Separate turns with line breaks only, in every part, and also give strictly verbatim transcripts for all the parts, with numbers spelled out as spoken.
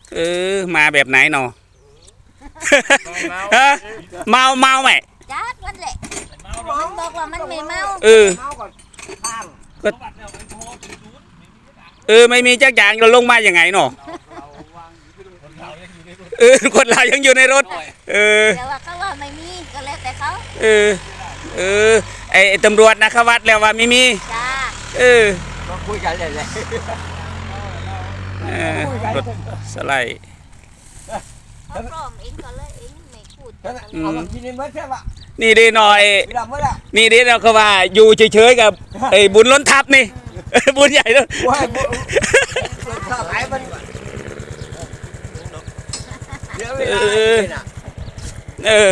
เออมาแบบไหนเนาะฮะเมาเมาไหม
จัดวันแหละมันบอกว่ามันไม่เมา
เออก็เออไม่มีจักอย่างเราลงมาอย่างไงเนาะเออคนเรายังอยู่ในรถเออ
แต่ว่าเขาว่าไม่มีก็แล้วแต่เขา
เออเออไอตำรวจนะเขาวัดแล้วว่าไม่มี
จ้า
เออ
ก็คุยกันเลยเลย
รถสไลด์
เขาพร้อมเองก็เลยเองไม่พูด
เอามากินในเมื่อใช่ปะ
นี่ดีหน่อยนี่ดีเราเขาว่าอยู่เฉยๆกับไอ้บุญล้นทับนี่บุญใหญ่ด้วย
ว้ายบุญข้าวขายมันเยอะเวลา
เออ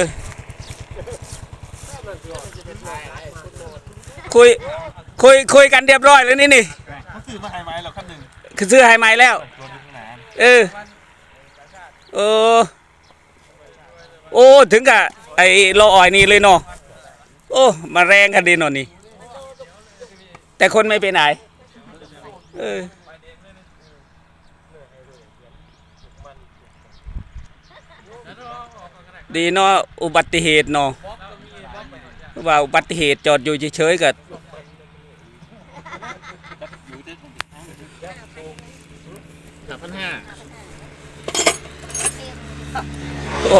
คุยคุยคุยกันเรียบร้อยแล้วนี่นี่
เขาซื้อมาไฮไม้เราขั้นหนึ่ง
คือซื้อไฮไม้แล้วเออเออโอ้ถึงกับไอ้รออ่อยนี่เลยเนาะโอ้มาแรงกันดีหน่อยนี่แต่คนไม่ไปไหนเออดีเนาะอุบัติเหตุเนาะว่าอุบัติเหตุจอดอยู่เฉยๆกับ
สามพันห้า
โอ้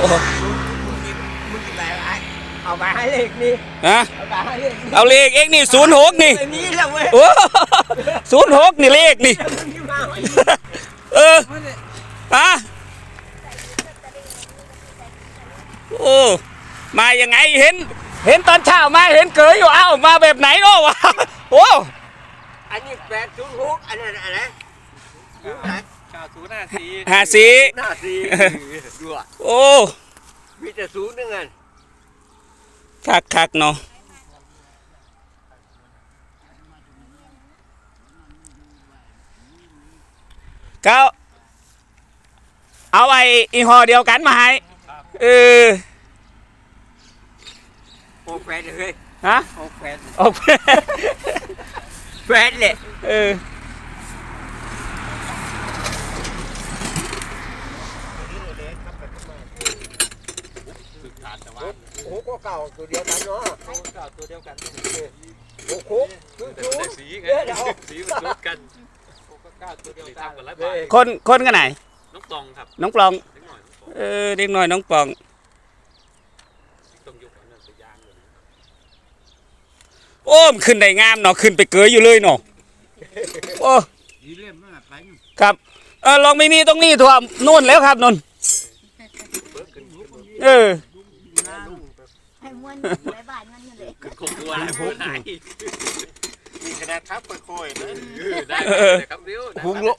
เอาไปให้เลขนี่
ฮะเอาเลขเอ็กนี่ศูนย์หกนี่โอ้ศูนย์หกนี่เลขนี่เออฮะโอ้มายังไงเห็นเห็นตอนเช้ามาเห็นเกยอยู่เอ้ามาแบบไหนเนาะวะโอ้
อันนี้แปดศูนย์หกอันนั้นอะไร
ข้าวศูนย์ห้าสี่
ห้าสี่
ห้าสี่ดูอ่ะ
โอ้
มีแต่ศูนย์นึงอัน
คักคักเนาะก็เอาไอ้อีห่อเดียวกันมาให้เออ
โอ้แฟนเลย
ฮะ
โอ้แฟน
โอ้แฟน
แฟนเลย
เออ
โอ้ก็เก่าตัวเดียวกันเนาะ
โอ้เก่าตัวเดียวกัน
โอ้คุกคือ
สีไงสีมันชุดกันโอ้ก็เก่าตัวเดียวกัน
คนคนกันไหน
น้องปองครับ
น้องปองเออเด็กน้อยน้องปองโอ้มขึ้นได้งามเนาะขึ้นไปเกยอยู่เลยเนาะโอ้ครับเออลองไม่มีตรงนี้ถั่วนู่นแล้วครับนนเออ
ให้ม้วนไว้บ้านมันเลย
คงตัวอะไรพูดไหนมีขนาดทับค่อยๆนะได้ครับเดี๋ยว
หุงลุ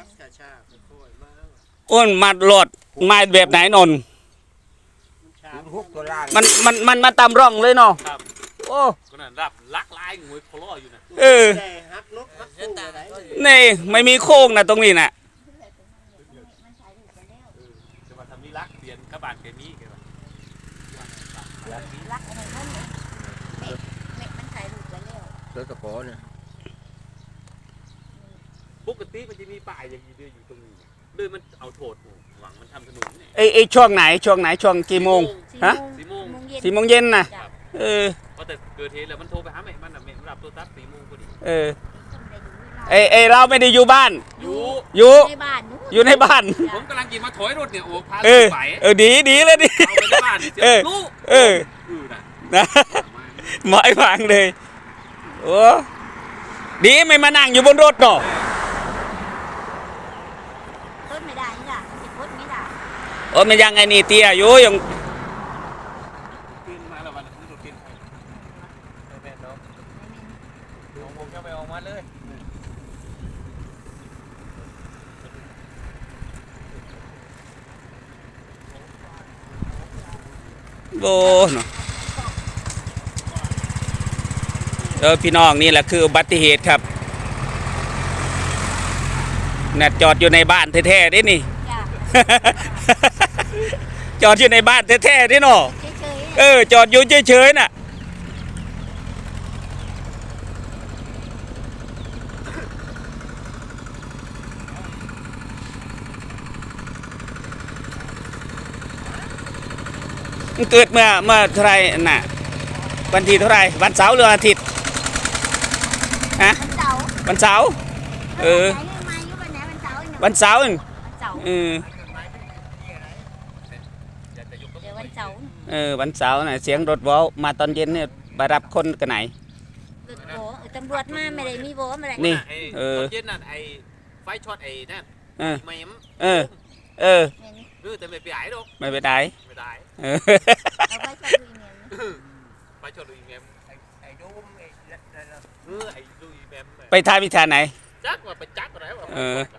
อ้นมาหลอดมาแบบไหนนนมันมันมันมาตามร่องเลยเนาะโอ้
ก็นั่นรับลักลายงวยโคลออยู่นะ
เออนี่ไม่มีโค้งนะตรงนี้น่ะ
จะมาทำนี่ลักเปลี่ยนกระบาดเคมีกัน
รักอะไรนั่นเนี่ยเม็ดเม็ดมันถ่ายรูปกันแล้ว
เสือตะโกนเนี่ย
ปกติมันจะมีป่ายอย่างนี้ด้วยอยู่ตรงนี้ด้วยมันเอาโถดหวังมันทำถนนเนี่ย
ไอไอช่วงไหนช่วงไหนช่วงกี่โมงฮะ
สี่โมง
สี่โมงเย็นน่ะเออ
พอแต่เกิดเหตุแล้วมันโทรไปหาแม่มันอ่ะแม่รับโทรศัพท์สี่โมงพอดี
เออไอไอเราไม่ได้อยู่บ้าน
อยู่
อยู่
ในบ้าน
อยู่ในบ้าน
ผมกำลังกินมาถอยรถเนี่ยโอ้พา
เออเออดีดีเลยดิ
เอาไปในบ้านเออ
เออนะหมายฟังเลยโอ้ดีไม่มานั่งอยู่บนรถเนาะ
ต้นไม่ได้นี่ล่ะติดพุทธไม่ได้
โอ้มันยังไงนี่เตี้ยอยู่ยัง
มาแล้ววันนี้รถกินแม่น้องน้องผมจะไปออกมาเลย
โอ้เนาะเออพี่น้องนี่แหละคืออุบัติเหตุครับเนี่ยจอดอยู่ในบ้านแท้ๆดินี่จอดอยู่ในบ้านแท้ๆดิเนาะเออจอดอยู่เฉยๆน่ะมันเกิดเมื่อเมื่อเท่าไหรน่ะวันที่เท่าไหรวันเสาร์หรือวันอาทิตย์ฮะ
วันเสาร์
วันเสาร์เออ
ไหนมาอยู่วันไหนวันเสาร์อีก
วันเสาร์นั่น
วันเสาร์
เออ
เดี๋ยววันเสาร์
เออวันเสาร์น่ะเสียงรถวอลมาตอนเย็นเนี่ยไปรับคนกันไหน
รถโบเออตำรวจมาไม่ได้มีโบมาเลย
นี่
ไอ้
เออ
ตอนเย็นนั่นไอ้ไฟช็อตไอ้นั่น
เออ
ไม่ม
เออ เออ
แม่น
เออแต่ไม่ไปไหนหรอก
ไม่ไปไหน
ไม่ได้
เออ
เอาไว้จะดูเงิน
ไฟช็อตลุยแมม
ไอ้ดูมไอ้นั่นน่ะ
เออไอ้ลุยแมม
ไปทายวิชาไหน
จักว่าไปจักอะไรวะ
เออ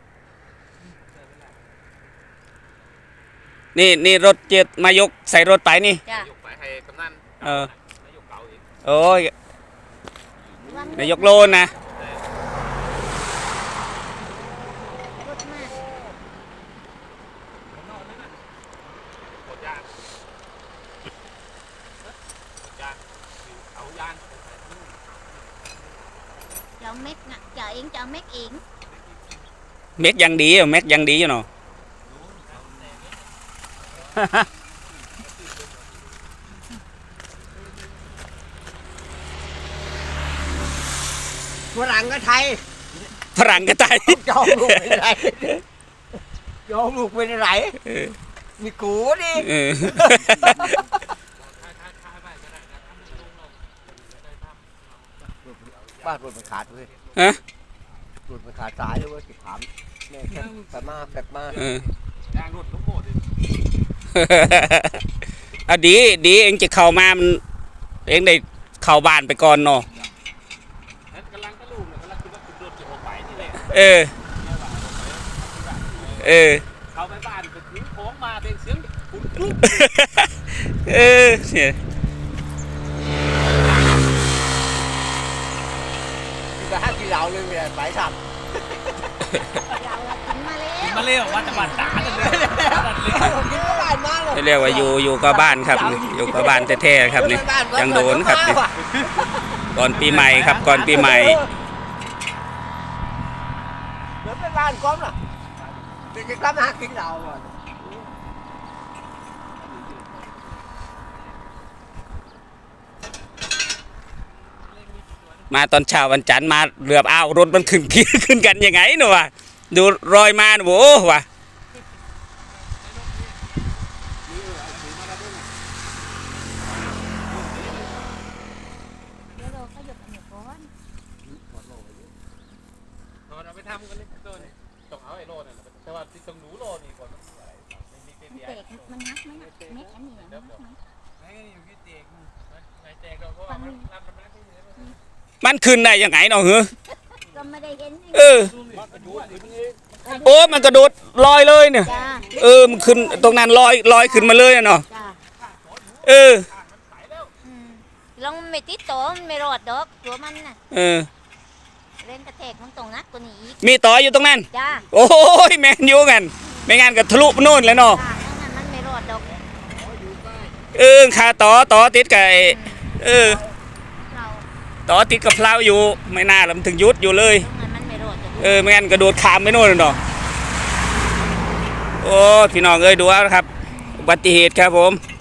นี่นี่รถเจ็ดมายกใส่รถไปนี่
จ้ะ
ยกไปให้กำนัน
เออ
นายกเก่าอีก
โอ้ยนายกโลนนะ
รถมา
กดยานกดยานเอายาน
จะเอาเม็ดน่ะจะเองจะเอาเม็ดเอง
เม็กยังดีอ่ะเม็กยังดีอยู่เนาะ
ฝรั่งก็ไทย
ฝรั่งก็ตาย
ยอมลูกเป็นไรยอมลูกเป็นไร
เออ
มีกูดิ
เออ
บ้านรถมันขาดเลย
ฮะ
รถมันขาดสายเลยเว้ยติดถามแม่แคบไปมาแฟบมา
เออ
ยางรถทั้งหมดเลย
เอาดีดีเองจะเข้ามามันเองได้เข้าบ้านไปก่อนเนาะ
นั่นกำลังกระลูกเนี่ยกำลังคิดว่าคุณโดนจะออกไปนี่แหละ
เออ เออ
เข้าไปบ้านก็ถือของมาเต็มเสียงคุณกรุ๊บ
เออเนี่ย
กินแต่ห้ากินเหล้าเลยไม่ได้ไปทำ
เราอะกินมาแล้ว
มาเร็วว่าจะบัดตาเลยเลย
กินก็บ้านมาเลย
เรียกว่าอยู่อยู่กับบ้านครับ อยู่กับบ้านแท้ๆครับนี่ยังโดนครับนี่ก่อนปีใหม่ครับก่อนปีใหม่
เดี๋ยวไปบ้านก้อมล่ะเดี๋ยวจะกลับมาหากินเหล้าอ่ะ
มาตอนเช้าวันจันทร์มาเรืออ้าวรถมันขึ้น ขึ้นกันยังไงเนาะวะดูรอยมาโว้วะ
เดี๋ยวเราขยับอันนี้ก่อน
เราไปทำกันเลยโดนต้องเอาไอ้โลนั่นแต่ว่าที่ต้องหนูโลนี่ก่อนมันอะไรไม่มีเต็ม
มัน
ใหญ่
แตกมันนักไหมน่ะเม็ดอันนี้น่ะนักไหม
ไม่อยู่ที่เตียงไม่แจกเราเพราะว่ามันรับมันไม่ได้
มันขึ้นได้ยังไงเนาะเหรอ
ก็ไม่ได้เห็นนี่
เออ โอ้มันกระโดดลอยเลยเนี่ย
จ้า
เออมันขึ้นตรงนั้นลอยลอยขึ้นมาเลยอะเนาะ
จ้า
เออ
อืมลองไม่ติดตัวมันไม่รอดดอกตัวมันน่ะ
เออ
เล่นกระแทกมันตรงนักกว่านี้อีก
มีต่ออยู่ตรงนั้น
จ้า
โอ้ยแมนยูกันไม่งั้นก็ทะลุไปโน่นเลยเนาะ
จ้านั่นน่ะมันไม่รอดดอก
เออคาต่อต่อติดกับไอ้เออ
เรา
ต่อติดกับเพลาอยู่ไม่น่าแล้วมันถึงยุดอยู่เลย
ตรงนั้นมันไม่รอดดอก
เออไม่งั้นกระโดดขามไปโน่นเลยเนาะโอ้พี่น้องเอ้ยดูเอาครับอุบัติเหตุครับผม